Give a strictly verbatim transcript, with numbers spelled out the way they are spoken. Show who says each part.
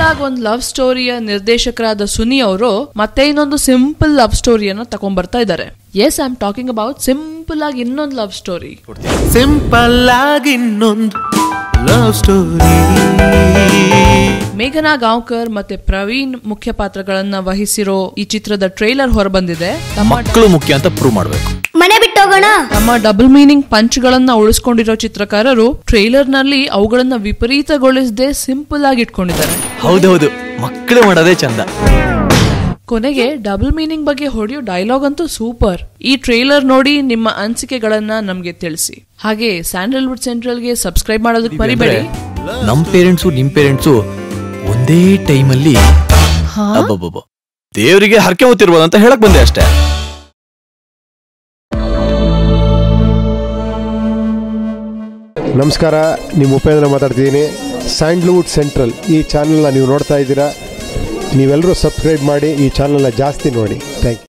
Speaker 1: ಆಗಿ ಒಂದು ಲವ್ ಸ್ಟೋರಿಯ ನಿರ್ದೇಶಕರಾದ ಸುನಿ ಅವರು ಮತ್ತೆ ಇನ್ನೊಂದು ಸಿಂಪಲ್ ಲವ್ ಸ್ಟೋರಿಯನ್ನು ತಗೊಂಡ್ಬರ್ತಾ ಇದ್ದಾರೆ. Yes, I am talking about simple ಆಗಿ ಇನ್ನೊಂದು ಲವ್ ಸ್ಟೋರಿ.
Speaker 2: ಸಿಂಪಲ್ ಆಗಿ ಇನ್ನೊಂದು ಲವ್ ಸ್ಟೋರಿ.
Speaker 1: ಮೇಘನಾ ಗಾಂವ್ಕರ್ ಮತ್ತೆ ಪ್ರವೀಣ್ ಮುಖ್ಯ ಪಾತ್ರಗಳನ್ನ ವಹಿಸಿರೋ ಈ ಚಿತ್ರದ ಟ್ರೈಲರ್ ಹೊರಬಂದಿದೆ.
Speaker 3: ಮಕ್ಕಳು ಮುಖ್ಯ ಅಂತ ಪ್ರೂವ್ ಮಾಡಬೇಕು.
Speaker 4: ಮನೆ ಬಿಟ್ಟೋಗೋಣ.
Speaker 1: ನಮ್ಮ ಡಬಲ್ ಮೀನಿಂಗ್ ಪಂಚ್ಗಳನ್ನ ಉಳಿಸ್ಕೊಂಡಿರೋ ಚಿತ್ರಕಾರರು ಟ್ರೈಲರ್ ನಲ್ಲಿ ಅವುಗಳನ್ನ ವಿಪರೀತಗೊಳಿಸದೆ ಸಿಂಪಲ್ ಆಗಿ ಇಟ್ಕೊಂಡಿದ್ದಾರೆ.
Speaker 3: ಹೌದೌದು, ಮಕ್ಕಳು ಮಾಡೋದೇ ಚಂದ.
Speaker 1: ಕೊನೆಗೆ ಡಬಲ್ ಮೀನಿಂಗ್ ಬಗ್ಗೆ ಹೊಡೆಯೋ ಡೈಲಾಗ್ ಅಂತೂ ಸೂಪರ್. ಈ ಟ್ರೈಲರ್ ನೋಡಿ ನಿಮ್ಮ ಅನಿಸಿಕೆಗಳನ್ನ ನಮ್ಗೆ ತಿಳಿಸಿ. ಹಾಗೆ ಸ್ಯಾಂಡಲ್ವುಡ್ ಸೆಂಟ್ರಲ್ಗೆ ಸಬ್ಸ್ಕ್ರೈಬ್ ಮಾಡೋದಕ್ಕೆ ಮರಿಬೇಡಿ.
Speaker 3: ನಮ್ ಪೇರೆಂಟ್ಸು ನಿಮ್ ಪೇರೆಂಟ್ಸು ಒಂದೇ ಟೈಮಲ್ಲಿ ದೇವರಿಗೆ ಹರಕೆ ಹೊತ್ತಿರ್ಬೋದು ಅಂತ ಹೇಳಕ್ ಬಂದೆ ಅಷ್ಟೇ.
Speaker 5: ನಮಸ್ಕಾರ, ನಿಮ್ಮ ಉಪೇಂದ್ರ ಮಾತಾಡ್ತಿದ್ದೀನಿ. ಸ್ಯಾಂಡಲ್ವುಡ್ ಸೆಂಟ್ರಲ್ ಈ ಚಾನಲ್ನ ನೀವು ನೋಡ್ತಾ ಇದ್ದೀರಾ. ನೀವೆಲ್ಲರೂ ಸಬ್ಸ್ಕ್ರೈಬ್ ಮಾಡಿ ಈ ಚಾನಲ್ನ ಜಾಸ್ತಿ ನೋಡಿ. Thank you.